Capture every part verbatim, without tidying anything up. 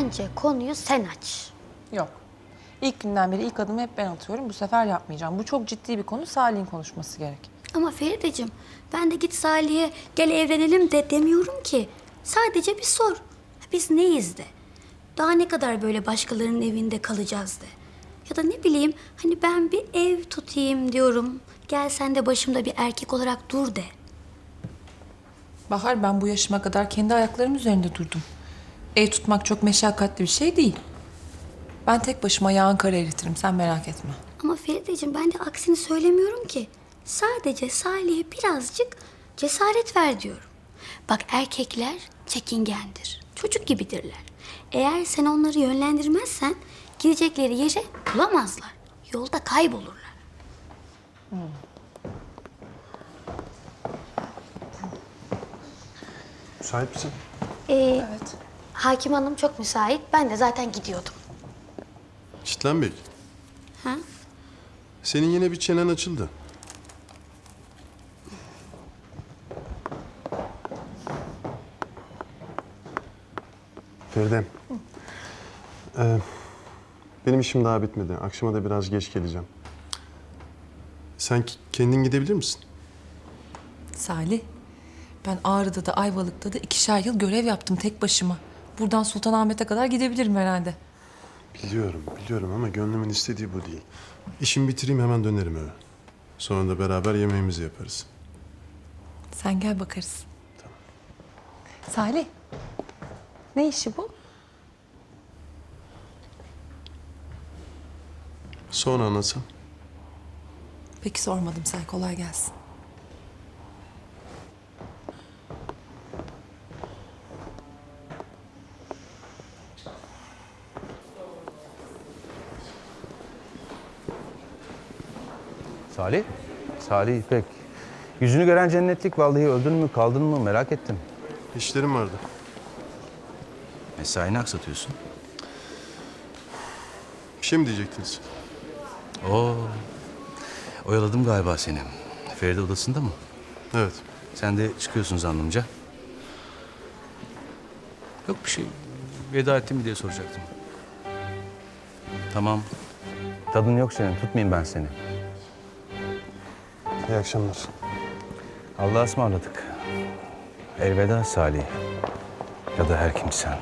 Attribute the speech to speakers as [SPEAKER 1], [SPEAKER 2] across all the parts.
[SPEAKER 1] bence konuyu sen aç.
[SPEAKER 2] Yok. İlk günden beri ilk adımı hep ben atıyorum. Bu sefer yapmayacağım. Bu çok ciddi bir konu. Salih'in konuşması gerek.
[SPEAKER 1] Ama Ferideciğim, ben de git Salih'e gel evlenelim de demiyorum ki. Sadece bir sor. Biz neyiz de. Daha ne kadar böyle başkalarının evinde kalacağız de. Ya da ne bileyim hani ben bir ev tutayım diyorum. Gel sen de başımda bir erkek olarak dur de.
[SPEAKER 2] Bahar, ben bu yaşıma kadar kendi ayaklarım üzerinde durdum. Ev tutmak çok meşakkatli bir şey değil. Ben tek başıma yağın kara eritirim. Sen merak etme.
[SPEAKER 1] Ama Ferideciğim ben de aksini söylemiyorum ki. Sadece Salih'e birazcık cesaret ver diyorum. Bak erkekler çekingendir. Çocuk gibidirler. Eğer sen onları yönlendirmezsen girecekleri yere bulamazlar. Yolda kaybolurlar.
[SPEAKER 2] Hmm.
[SPEAKER 3] Müsait misin?
[SPEAKER 1] Ee,
[SPEAKER 2] Evet.
[SPEAKER 1] Hakim Hanım çok müsait. Ben de zaten gidiyordum.
[SPEAKER 3] Çitlen Bey,
[SPEAKER 1] Ha?
[SPEAKER 3] senin yine bir çenen açıldı. Feride. Ee, benim işim daha bitmedi. Akşama da biraz geç geleceğim. Sen ki- kendin gidebilir misin?
[SPEAKER 2] Salih, ben Ağrı'da da Ayvalık'ta da ikişer yıl görev yaptım tek başıma. Buradan Sultanahmet'e kadar gidebilirim herhalde.
[SPEAKER 3] Biliyorum, biliyorum ama gönlümün istediği bu değil. İşimi bitireyim hemen dönerim eve. Sonra da beraber yemeğimizi yaparız.
[SPEAKER 2] Sen gel bakarız. Tamam. Salih, ne işi bu?
[SPEAKER 3] Sonra anlatsam.
[SPEAKER 2] Peki sormadım, sen kolay gelsin.
[SPEAKER 4] Salih? Salih İpek. Yüzünü gören cennetlik, vallahi öldün mü kaldın mı merak ettim.
[SPEAKER 3] İşlerim vardı.
[SPEAKER 4] Mesaini aksatıyorsun.
[SPEAKER 3] Bir şey mi diyecektiniz?
[SPEAKER 4] Oo. Oyaladım galiba seni. Feride odasında mı?
[SPEAKER 3] Evet.
[SPEAKER 4] Sen de çıkıyorsun zannımca. Yok bir şey. Veda ettin mi diye soracaktım. Tamam. Tadın yok senin. Tutmayayım ben seni.
[SPEAKER 3] İyi akşamlar.
[SPEAKER 4] Allah'a ısmarladık. Elveda Salih. Ya da her kimsen.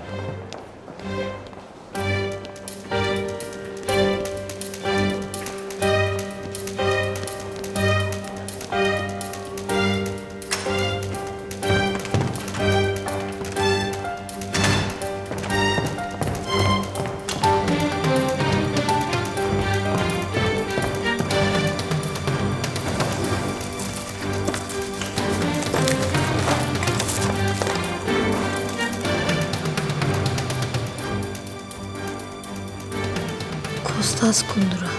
[SPEAKER 1] Kostas Kundura.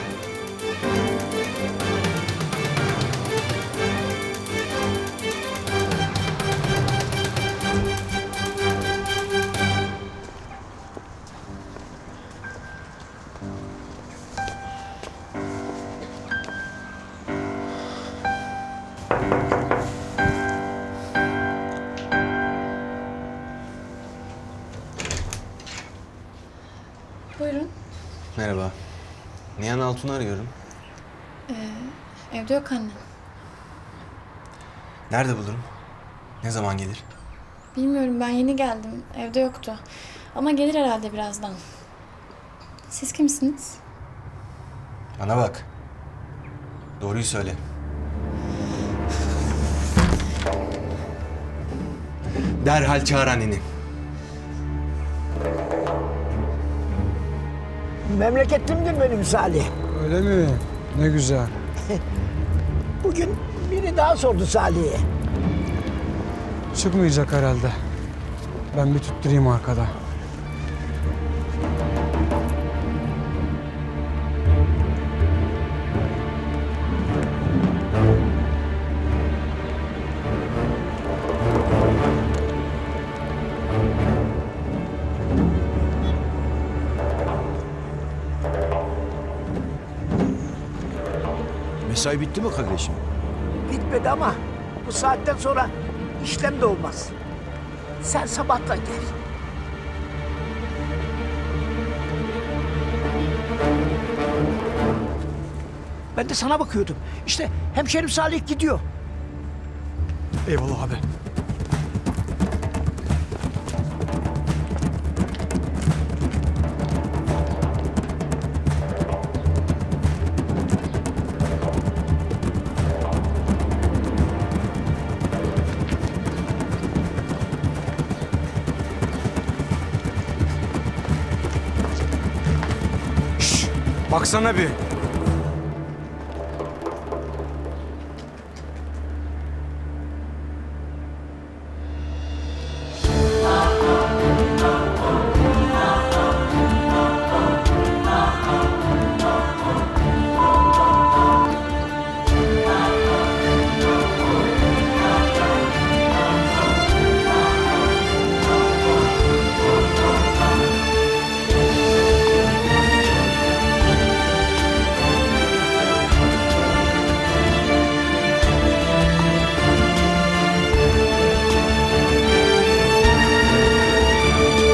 [SPEAKER 5] Buyurun.
[SPEAKER 6] Merhaba. Nihan Altun'u arıyorum.
[SPEAKER 5] Evde yok anne.
[SPEAKER 6] Nerede bulurum? Ne zaman gelir?
[SPEAKER 5] Bilmiyorum, ben yeni geldim. Evde yoktu. Ama gelir herhalde birazdan. Siz kimsiniz?
[SPEAKER 6] Bana bak. Doğruyu söyle. Derhal çağır anneni.
[SPEAKER 7] Memleketimdir benim Salih.
[SPEAKER 8] Öyle mi? Ne güzel.
[SPEAKER 7] Bugün biri daha sordu Salih'e.
[SPEAKER 8] Çıkmayacak herhalde. Ben bir tutturayım arkada.
[SPEAKER 9] Mesai bitti mi kardeşim?
[SPEAKER 7] Bitmedi ama bu saatten sonra işlem de olmaz. Sen sabahla gel. Ben de sana bakıyordum. İşte hemşerim Salih gidiyor.
[SPEAKER 8] Eyvallah abi. Şşş, baksana bir.